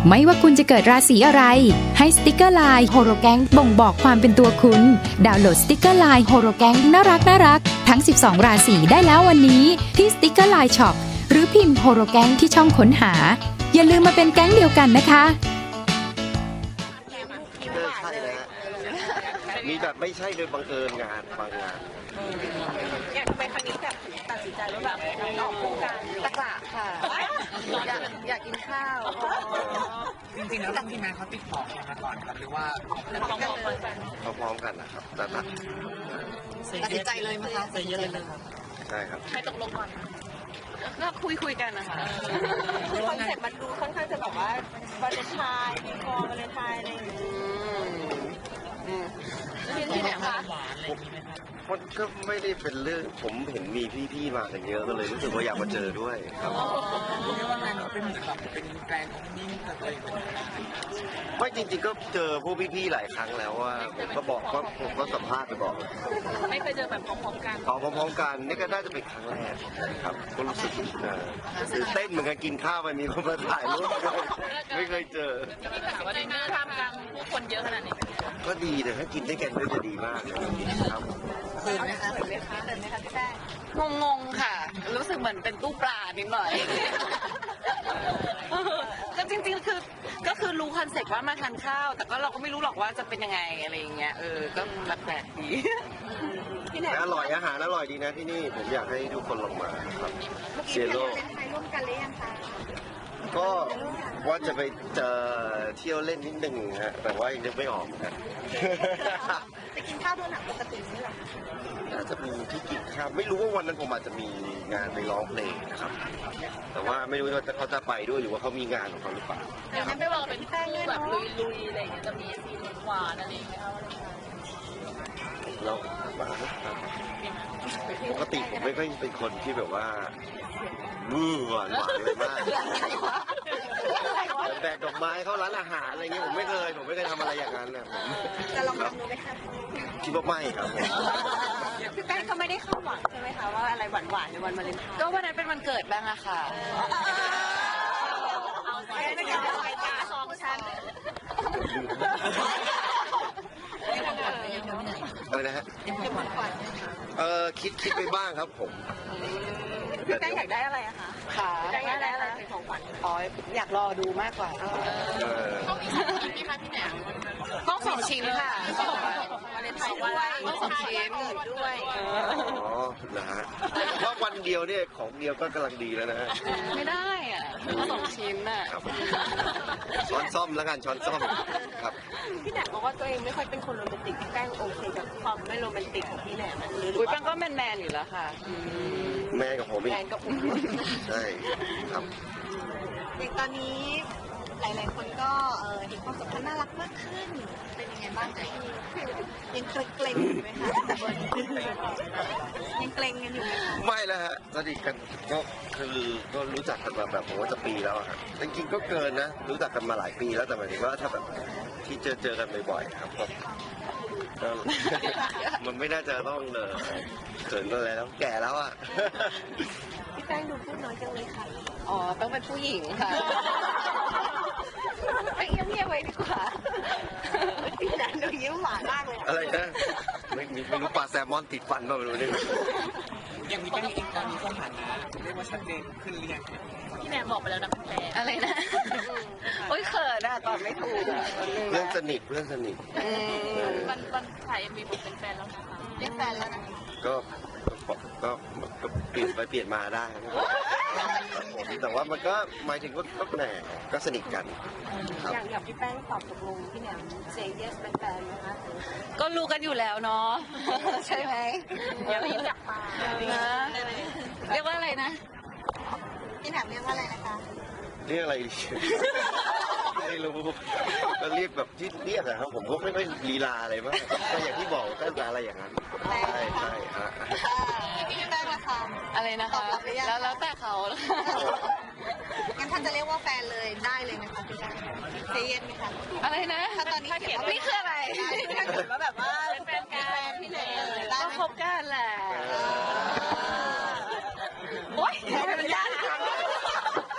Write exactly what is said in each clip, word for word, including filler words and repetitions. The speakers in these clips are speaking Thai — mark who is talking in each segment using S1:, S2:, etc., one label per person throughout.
S1: ไม่ว่าคุณจะเกิดราศีอะไรให้สติกเกอร์ไลน์โฮโรแกงบ่งบอกความเป็นตัวคุณดาวน์โหลดสติกเกอร์ไลน์โฮโรแกงน่ารักน่ารักทั้งสิบสองราศีได้แล้ววันนี้ที่สติกเกอร์ไลน์ช็อปหรือพิมพ์โฮโรแกงที่ช่องค้นหาอย่าลืมมาเป็นแก๊งเดียวกันนะคะ
S2: ใช่นะมีแบบไม่ใช่โดยบังเอิญงานบางงาน
S3: อยากทำไมครั้งนี้แบบตัดสินใจว่าแบบออกโครงการตะกละค่ะอยากอยากกินข้าว
S4: จริงๆแล้วทีมงานเขาติดต่อมาก่อนครับหรือว่า
S2: พร้อมๆกันนะครับแต่ตัด
S3: ตัดสินใจเลยมั้ยคะ
S4: ใจเย็นเลยครับ
S2: ใช่ครับ
S3: ให้ตกลงก่อนก็คุยคุยกันนะคะคอนเซ็ปต์มันดูค่อนข้างจะแบบว่าวาเลนไทน์มีกองวาเลนไทน์อะไรอย่างเงี้ยที่ไหนคะ
S2: มันก็ไม่ได้เป็นเรื่องผมเห็นมีพี่ๆมากันเยอะก็เลยรู้สึกว่าอยากมาเจอด้วยครับ
S4: เป็นแบบเป็นแกลนของนิ่งเลย
S2: ไม่จริงๆก็เจอพวกพี่ๆหลายครั้งแล้วว่าผมก็บอกว่าผมก็สัมภาษณ์ไปบอก
S3: ไม่เคยเจอแบบพร้อมๆกัน
S2: พร้อมๆกันนี่ก็น่าจะเป็นครั้งแรกครับก็รู้สึกตื่นเต้นเหมือนกันกินข้าวไปมีคนมาถ่ายรูปไม่เคยเจอ
S3: ว่าได้หน้าทำกลางผู้คนเยอะขนาดนี้
S2: ก็ดีแต่ถ้ากินได้กันก็จะดีมากเลยครับ
S3: เขินไหมคะเขินไหมคะเขินไหมคะพี่แป้งงงๆค่ะรู้สึกเหมือนเป็นตู้ปลานิดหน่อยก็จริงๆคือก็คือรู้คอนเซ็ปต์ว่ามาทานข้าวแต่ก็เราก็ไม่รู้หรอกว่าจะเป็นยังไงอะไรอย่างเงี้ยเออก็แปลกดี
S2: อร่อยอาหารอร่อยดีนะที่นี่ผมอยากให้ทุกคนลงมาครับเซียโร่
S3: ร่วมกันหรือยังคะ
S2: ก็ว่าจะไปเจอเที่ยวเล่นนิดนึงฮะแต่ว่ายังนึกไม่ออกนะ
S3: จะกินข้าวด้วยหนังปกตินี่หรอ
S2: น่าจะมีที่กินข้าวไม่รู้ว่าวันนั้นผมอาจจะมีงานไปร้องเพลงนะครับแต่ว่าไม่รู้ว่าเขาจะไปด้วยหรือว่าเขามีงานของเขาหรือเปล่า
S3: เดี๋ยวไม่บอกเป็นแป้งแบบลุยๆอะไรอย่างเงี้ยจะมีซีนหวานอะไรอย่างเงี้ย
S2: เราปกติผมไม่ค่อยเป็นคนที่แบบว่ามือหวานหวานเลยมากแบกดอกไม้เข้าร้านอาหารอะไรเงี้ยผมไม่เคยผมไม่เคยทำอะไรอย่างนั้นนะผม
S3: จะลองทำดูไหมคะ
S2: คิดว่าไม่ครับ
S3: พี่แป้งเขาไม่ได้เข้าหวังใช่ไหมคะว่าอะไรหวานหวานในวันวาเลนไทน์ก็วันนั้นเป็นวันเกิดบ้างอะค่ะเอาไปไม่ได้ไปตาสองชั้น
S2: อะไรนะฮะเออคิดคิดไปบ้างครับผม
S3: พี่แป้งอยากได้อะไรอะคะค่ะอยากได้อะไรเป็นของขวัญอ๋ออยากรอดูมากกว่าต้องมีชิ้นไหมคะพี่แหนมต้องสองชิ้นค่ะวาเลนไทน์ด้วยต้องสองชิ้นด้วย
S2: อ๋อนะฮะว่าวันเดียวเนี่ยของเดียวก็กำลังดีแล้วนะ
S3: ไม่ได้อ่ะต้องสองชิ้นน่ะ
S2: ช้อนซ่อมแล้วกันช้อนซ่อมครับ
S3: พี่แหนมบอกว่าตัวเองไม่ค่อยเป็นคนโรแมนติกพี่แป้งโอเคกับความไม่โรแมนติกของพี่แหนมอุ้ยแป้งก็แมนแมนอยู่แล้วค่ะ
S2: แม่กับผมอีก
S3: แมนกับผม
S2: ใช่ครับ
S3: อย่างตอนนี้หลายๆคนก็เห็นความสัมพันธ์น่ารักมากขึ้นเป็นยังไงบ้างคะยังเกรงอยู่ไหมคะยังเกรงกันอยู่ไหมคะ
S2: ไม่แล้วฮะสนิทกันก็คือก็รู้จักกันมาแบบผมว่าจะปีแล้วครับจริงๆก็เกินนะรู้จักกันมาหลายปีแล้วแต่หมายถึงว่าถ้าแบบที่เจอเจอกันบ่อยๆครับก็มันไม่น่าจะต้องเเขินอะไรแล้วแก่แล้วอ่ะ
S3: พี่แป้งดูพูดน้อยจังเลยค่ะอ๋อต้องเป็นผู้หญิงค่ะไปเงียบๆไว้ดีกว่าพี่แป้งดูยิ้มหวานมากเลย
S2: อะไรนะไม่ไม่รู้ปลาแซลมอนติดฟันป่ะไม่รู้นี่
S4: ยังมีแป้งอีกตอนนี้สถานะเรียกว่าชัดเจนขึ้นเรียง
S3: พี่แหนมบอกไปแล้วนะคุณแม่อะไรนะโอ๊ยเขินอะตอนไม่ถูก
S2: เพื่อนสนิทเพื่อนสนิท
S3: วันวันถ่ายเอ็มวีผมเป็นแฟนแล้วนะคะเรียกแฟนแล้วนะ
S2: ก็ก็ก็เปลี่ยนไปเปลี่ยนมาได้แต่ว่ามันก็หมายถึงว่าก็แหน่ก็สนิทกัน
S3: อย่างอย่างพี่แป้งตอบตกลงพี่แหนมเซย์เยสเป็นแฟนนะคะก็รู้กันอยู่แล้วเนาะใช่ไหมอย่าไปจับปากนะเรียกว่าอะไรนะพี่แหนมเรียกว่าอะไรนะคะ
S2: เรียกอะไรไม่รู้ก็เรียกแบบที่เรียกอะครับผมก็ไม่ค่อยลีลาอะไรมากก็อย่างที่บอกก็อะไรอย่างนั้นใช่ใช่ฮะ
S3: พี่แป้งนะคะอะไรนะคะแล้วแล้วแต่เขางั้นท่านจะเรียกว่าแฟนเลยได้เลยไหมคะพี่แป้งเซเยนไหมคะอะไรนะถ้าตอนนี้เขียนว่านี่คืออะไรถ้าเขียนว่าแบบว่าแฟนกันพี่แหนมก็คบกันแหละโอ๊ยมันยาก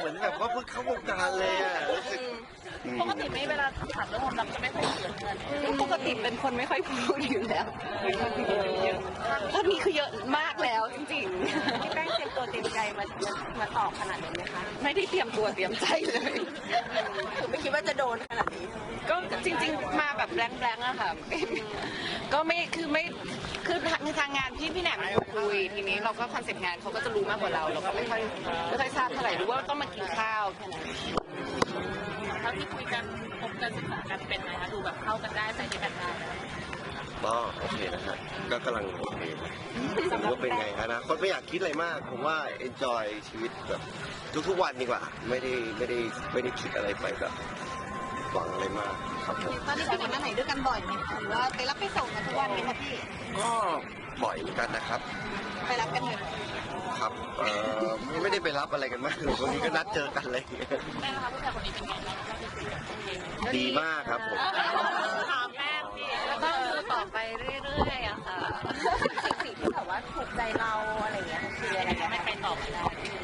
S2: มือนแบบว่าเพิ่งเข้าวงการเลยอ่ะรู้สึก
S3: ปกติไม่เวลาถามเรื่องความรักจะไม่ค่อยเยอะปกติเป็นคนไม่ค่อยพูดอยู่แล้วตอนนี้คือเยอะมากแล้วจริงๆพี่แป้งเตรียมตัวเตรียมใจมามาตอบขนาดนี้ไหมคะไม่ได้เตรียมตัวเตรียมใจเลยคือไม่คิดว่าจะโดนขนาดนี้ก็จริงๆมาแบบแบงๆอะค่ะก็ไม่คือไม่คือในทางงานพี่พี่แหนมคุยทีนี้เราก็คอนเซ็ปต์งานเขาก็จะรู้มากกว่าเราเราก็ไม่ค่อยไม่ค่อยทราบเท่าไหร่รู้ว่าต้องมากินข้าวแค่นั้นเท่าที่คุยกันพบกันศึกษากันเป็นไงคะดูแบบเข้ากันได้ใจดีกันได้
S2: ก็โอเคนะฮะก็กำลังโอเคผมว่าเป็นไงอนาคตไม่อยากคิดอะไรมากผมว่า enjoy ชีวิตแบบทุกๆวันดีกว่าไม่ได้ไม่ได้ไม่ได้คิดอะไรไปแบบหวังอะไรมากครับผม
S3: ตอนนี้ไปไหนมาไหนด้วยกันบ่อยไหมคะหรือว่าไปรับไปส่งกันทุกวันไหมคะพี่
S2: ก็บ่อยเหมือนกันนะครับ
S3: ไปรับกันเลย
S2: ครับเอ่อไม่ได้ไปรับอะไรกันมากเลยวันนี้ก็นัดเจอกันเลย
S3: แม่นะคะผู้ชายคนนี้เป็นไงบ้าง
S2: ดีมากครับผม
S3: ถามแม่พี่แล้วก็ดูต่อไปเรื่อยๆอะค่ะสิ่งที่แบบว่าถูกใจเราอะไรอย่างเงี้ยคืออะไรไม่ไปตอบไม่ได้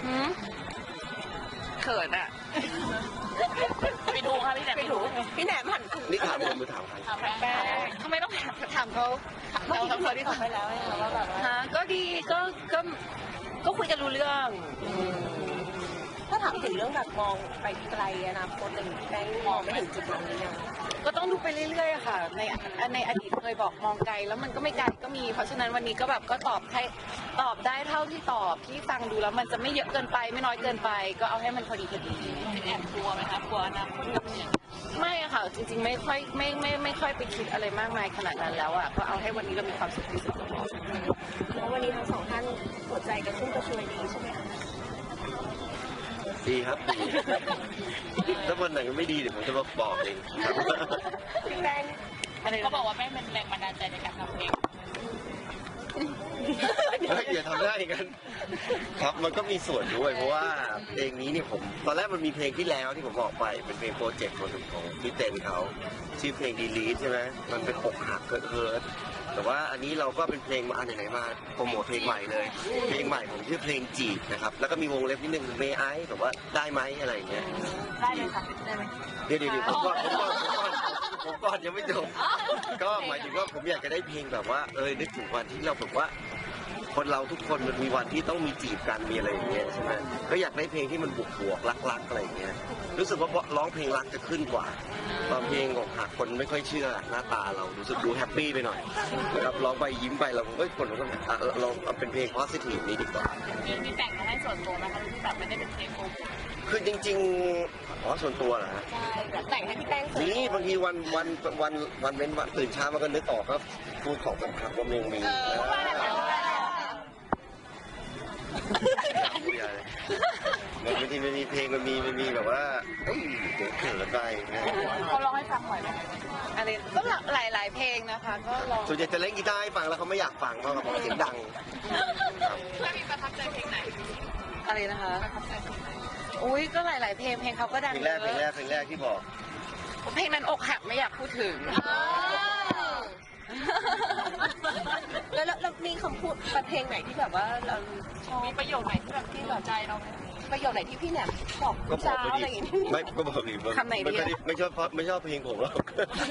S3: เขินอะไปดูค่ะพี่แหนมไปดูพี่แหนมหัน
S2: นี่ถามผมหรือถามใคร
S3: ถามแม่ทำไมต้องถามเขาเราทำเขาที่ถามไปแล้วว่าแบบฮะก็ดีก็ก็ก็คุยกันรู้เรื่องถ้าถามถึงเรื่องแบบมองไปไกลอนาคตอะไรอย่างนี้แป้งมองไม่ถึงจุดนั้นหรือยังก็ต้องดูไปเรื่อยๆค่ะในในอดีตเคยบอกมองไกลแล้วมันก็ไม่ไกลก็มีเพราะฉะนั้นวันนี้ก็แบบก็ตอบให้ตอบได้เท่าที่ตอบที่ฟังดูแล้วมันจะไม่เยอะเกินไปไม่น้อยเกินไปก็เอาให้มันพอดีพอดีแอบกลัวไหมคะกลัวอนาคตไม่อะค่ะจริงๆไม่ค่อยไม่ไม่ไม่ค่อยไปคิดอะไรมากมายขนาดนั้นแล้วอะก็เอาให้วันนี้เรามีความสุขที่สุดแล้ววันนี้ทั้งสองท่านหัวใจกระชุ่มกระชวยดีใช่ไหมคะ
S2: ดีครับดีถ้าวันไหนก็ไม่ดีเดี๋ยวผมจะมาบอกเองครับ
S3: พี่แป้งเขาบอกว่าแป้งเป็นแรงบันดาลใจในการทำเพลง
S2: เฮ้ยอย่าทำได้กันครับมันก็มีส่วนด้วยเพราะว่าเพลงนี้เนี่ยผมตอนแรกมันมีเพลงที่แล้วที่ผมบอกไปเป็นเพลงโปรเจกต์คนหนึ่งของพี่เต้นเขาชื่อเพลงดีลีทใช่ไหมมันเป็นอกหักเกิดเฮิร์ตแต่ว่าอันนี้เราก็เป็นเพลงมาอันไหนๆมาโปรโมทเพลงใหม่เลยเพลงใหม่ผมชื่อเพลงจีบนะครับแล้วก็มีวงเล็บนิดนึงเมย์ไอซ์แบบว่าได้ไหมอะไรอย่างเงี้ย
S3: ได้เลยค่ะได้ไหม
S2: เดี๋ยวเดี๋ยวผมก่อนผมก่อนผมก่อนผมก่อนยังไม่จบก็หมายถึงว่าผมอยากจะได้เพลงแบบว่าเออนึกถึงวันที่เราแบบว่าคนเราทุกคนมันมีวันที่ต้องมีจีบกันมีอะไรอย่างเงี้ยใช่ไหมก็อยากได้เพลงที่มันบวกบวกรักรักอะไรอย่างเงี้ยรู้สึกว่าร้องเพลงรักจะขึ้นกว่าตอนเพลงอกหักคนไม่ค่อยเชื่อหน้าตาเรารู้สึกดูแฮปปี้ไปหน่อยนะครับร้องไปยิ้มไปเราเอ้ยคนเราก็อ่ะเราเอาเป็นเพลง positive นี้ดีกว่า
S3: มีมีแต่งมาให้ส่วนตัวไหมคะที่แบบไม่ได้เป็นเพลงโปรโมท
S2: คือจริงๆอ๋อส่วนตัวเหรอฮะ
S3: ใช่แบบแต่งให้พี่แป้งส่วน
S2: นี่บางทีวันวันวันวันเว้นวันตื่นเช้ามันก็นึกออกก็พูดของแบบว่ามึงมีมันบางทีมันมีเพลงมันมีมันมีแบบว่าเอ้ยเดี๋ยวเขินไปนะ
S3: เขาร้องให้ฟังบ่อยไหมอะไรก็หลายหลายเพลงนะคะก็ร้อง
S2: ส่วนใหญ่จะเล่นกีตาร์ให้ฟังแล้วเขาไม่อยากฟังเพราะเขาเสียงดัง
S3: ถ้ามีประทับใจเพลงไหนอะไรนะคะอุ้ยก็หลาย ๆ เพลงเพลงเขาก็ดัง
S2: เพลงแรกเพลงแรกเพลงแรกที่บอก
S3: เพลงนั้นอกหักไม่อยากพูดถึงแล้วแล้วมีคำพูดเพลงไหนที่แบบว่าเราชอบมีประโยคไหนที่แบบที่แบบใจเราประโยคไหนที่พี่แหนมบอก
S2: ก็บอ
S3: เช้าก
S2: ไป
S3: อะไร
S2: ดิ
S3: อย่างเงี้ย
S2: ไม่ก็บอกดิ
S3: คำไหนดี
S2: ไม่ค่อยด้ไม่ชอบเพราะไม่ชอบเพลงผมหรอก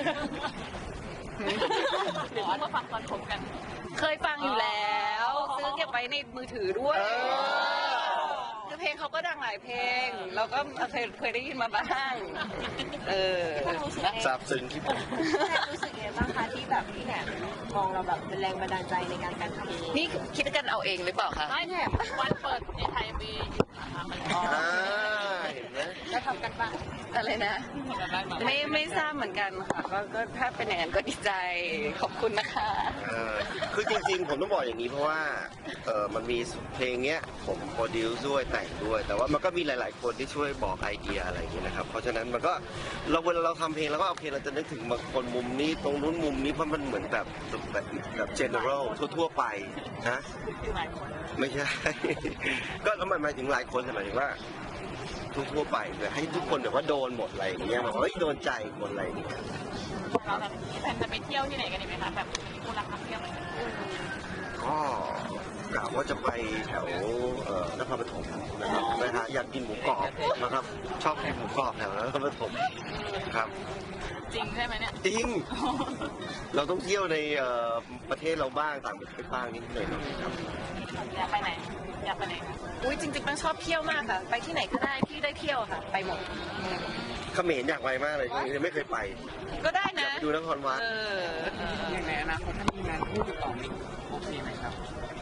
S3: หรือว่าฟังตอนคบกัน เคยฟังอยู่แล้วซื้อเก็บไว้ในมือถือด้วยคือเพลงเขาก็ดังหลายเพลงเราก็เคยเคยได้ยินมาบ้างเออ
S2: ซาบซึ้งที่ผม
S3: รู้สึกยังไงบ้างคะที่แบบพี่แหนมมองเราแบบเป็นแรงบันดาลใจในการการทำนี่คิดกันเอาเองหรือเปล่าคะไม่แหนมวันเปิดในไทยมี
S2: อ่าเห็นไหม
S3: แล้วทำกันบ้างอะไรนะไม่ไม่ทราบเหมือนกันค่ะก็ก็ถ้าเป็นอย่างนั้นก็ดีใจขอบคุณนะคะ
S2: เออคือจริงๆผมต้องบอกอย่างนี้เพราะว่าเออมันมีเพลงเนี้ยผมโปรดิวซ์ด้วยแต่งด้วย แต่ว่ามันก็มีหลาย ๆ คนที่ช่วยบอกไอเดียอะไรอย่างเงี้ยนะครับเพราะฉะนั้นมันก็เราเวลาเราทำเพลงแล้วก็โอเคเราจะนึกถึงบางคนมุมนี้ตรงนู้นมุมนี้เพราะมันเหมือนแบบแบบแบบ general ทั่วๆไปนะไม่ใช่ ก็แล้วมันหมายถึงหลายคนหมายถึงว่าทั่วๆไปเลยให้ทุกคนแบบว่าโดนหมดอะไรอย่างเงี้ยแบบเฮ้ยโดนใจหมดอะไรอย่างเงี้ย
S3: เราแบบแผนจะไปเที่ยวที่ไหนกันดีไหมคะแบบมีคนรักนักเที่ยวไหม
S2: ก็กะว่าจะไปแถวเอ่อนครปฐมนะครับนะฮะอยากกินหมูกรอบนะครับชอบกินหมูกรอบแถวนครปฐมครับ
S3: จริงใช่ไหมเนี่ย
S2: จริง เราต้องเที่ยวในเอ่อประเทศเราบ้างต่างประเทศบ้างนิดหน่อยครับ
S3: อยากไปไหนอยากไปไหนอุ้ยจริงๆมันชอบเที่ยวมากค่ะไปที่ไหนก็ได้ที่ได้เที่ยวค่ะไปหมด
S2: เขมรอยากไปมากเลยยังไม่เคยไป
S3: ก็ได้
S2: อยา
S3: นะ
S2: กไปดูนครวัด
S3: เออ
S4: อย่างในอนาคตถ้ามีงานคู่ติดต่อมีโอเคไหมครับ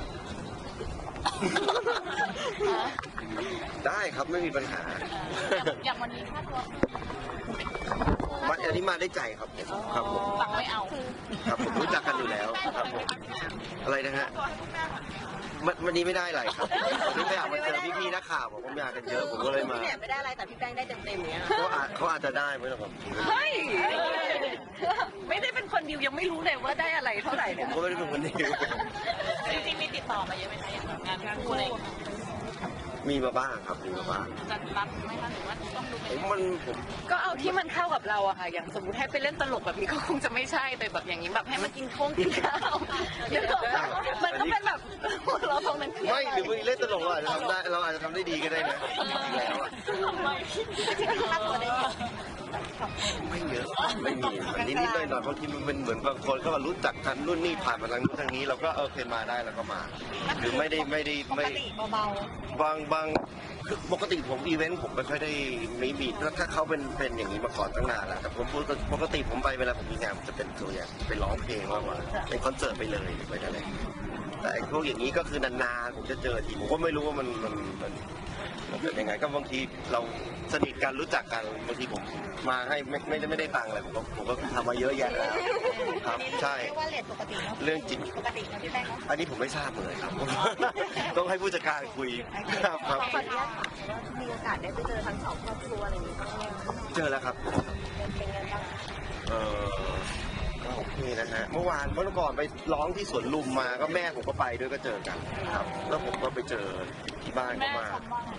S2: ได้ครับไม่มีปัญหา
S3: อย่างวันนี้ค่าตัว
S2: มาอันนี้มาได้ใจครับผมครับผม
S3: ตังไม่เอา
S2: ครับผมรู้จักกันอยู่แล้วครับผมอะไรนะฮะวันวันนี้ไม่ได้อะไรครับวันนี้ไม่อยากมาเจอพี่ๆนักข่าวผมก็มากันเยอะผมก็เลยมา
S3: พี่เนี่ยไม่ได้อะไรแต่พี่แป้งได้เต็มๆเนี้ย
S2: เขาอาจเขาอาจจะได้ไหมล่ะครับ
S3: เฮ้ยไม่ได้เป็นคนดิวยังไม่รู้เลยว่าได้อะไรเท่าไหร่
S2: ผ
S3: เนี่ย
S2: มก็ไม่ได้เป็นคนดี
S3: จริงๆมีติดต่อมาเยอะไหมคะอย่างงานคู่อะไร
S2: มีมาบ้างครับมีมาบ้าง
S3: จะรับไหมคะหรือว่าต้องดู
S2: ผมมันผม
S3: ก็เอาที่มันเข้ากับเราอะค่ะอย่างสมมติให้ไปเล่นตลกแบบนี้ก็คงจะไม่ใช่แต่แบบอย่างนี้แบบให้มากินข้งกินข้าวเดี๋ยวมันก็เป็นแบบเราตรงนั้น
S2: ไม่หรือวันนี้เล่นตลกเราอาจจะทำได้เราอาจจะทำได้ดีก็ได้นะแล้วอะ
S3: ค่าตัวได้เยอะ
S2: ไม่เยอะไม่มีมันนิดๆหน่อยๆบางทีมันเป็นเหมือนบางคนก็มารู้จักกันรุ่นนี้ผ่านมาทางนู้นทางนี้เราก็เออเคยมาได้แล้วก็มา หรือไม่ได้ไม่ได้
S3: ปก
S2: ไม่
S3: ติเบา
S2: บางบางคือปกติผมอีเวนต์ผมไม่ค่อยได้ไม่มีถ้าเขาเป็นเป็นอย่างนี้มาก่อนตั้งนานแล้วแต่ผมปกติผมไปเวลาผมมีงานผมจะเป็นตัวอย่างไปร้องเพลงมากกว่าเป็นคอนเสิร์ตไปเลยไปอะไรแต่ไอ้พวกอย่างนี้ก็คือนานๆผมจะเจอทีผมก็ไม่รู้ว่ามันมันมันมันเป็นยังไงก็บางทีเราสนิทกันรู้จักกันบางทีผมมาให้ไม่ไม่ได้ไม่ได้ตังค์อะไรผมก็ผมก็ทำมาเยอะแยะแล้วครับใช่
S3: เรียกว่าเลทปกติเนาะ
S2: เรื่องจริง
S3: ปกตินะพี่แป้งเนาะ
S2: อันนี้ผมไม่ทราบเลยครับ ต้องให้ผู้จัดการคุยครับครับ
S3: ขออนุญาตถามว่ามีโอกาสได้ไปเจอทั้งสองครอบครัวอะไรอย่างนี้บ้างไหม
S2: เจอแล้วครับ
S3: เป็นไงบ้าง
S2: เออก็โอเคนะฮะเมื่อวานเมื่อก่อนไปร้องที่สวนลุมมาก็แม่ผมก็ไปด้วยก็เจอกันครับ แล้วผมก็ไปเจอที่บ้านเขามา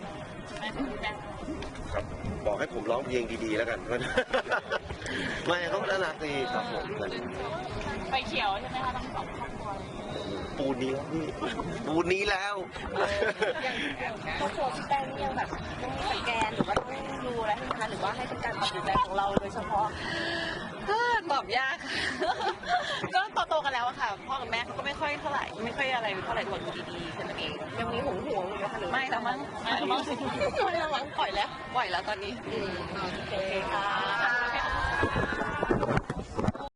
S2: ครับบอกให้ผมร้องเพลงดีๆแล้วกัน ไม่เขาน่ารักดีครับผม
S3: ไปเขียวใช่ไหมคะทั้งสองครอบครัว
S2: ปูนนี้แล้วพี่ปูนนี้แล้ว
S3: ครอบครัวพี่แป้งนี่ยังแบบต้องสแกนหรือว่าต้องดูอะไรให้คะหรือว่าให้เป็นการตัดสินใจของเราโดยเฉพาะตอบยาก ก็โตๆกันแล้วอะค่ะพ่อกับแม่เขาก็ไม่ค่อยเท่าไหร่ไม่ค่อยอะไรเท่าไหร่คนดีๆแค่นั้นเองยังมีหวงห่วงอยู่นะคะหรือไม่แล้วมั้งไม่แล้วมั้งไม่แล้วมั้งปล่อยแล้วปล่อยแล้วตอนนี้อืมโอเคค่ะ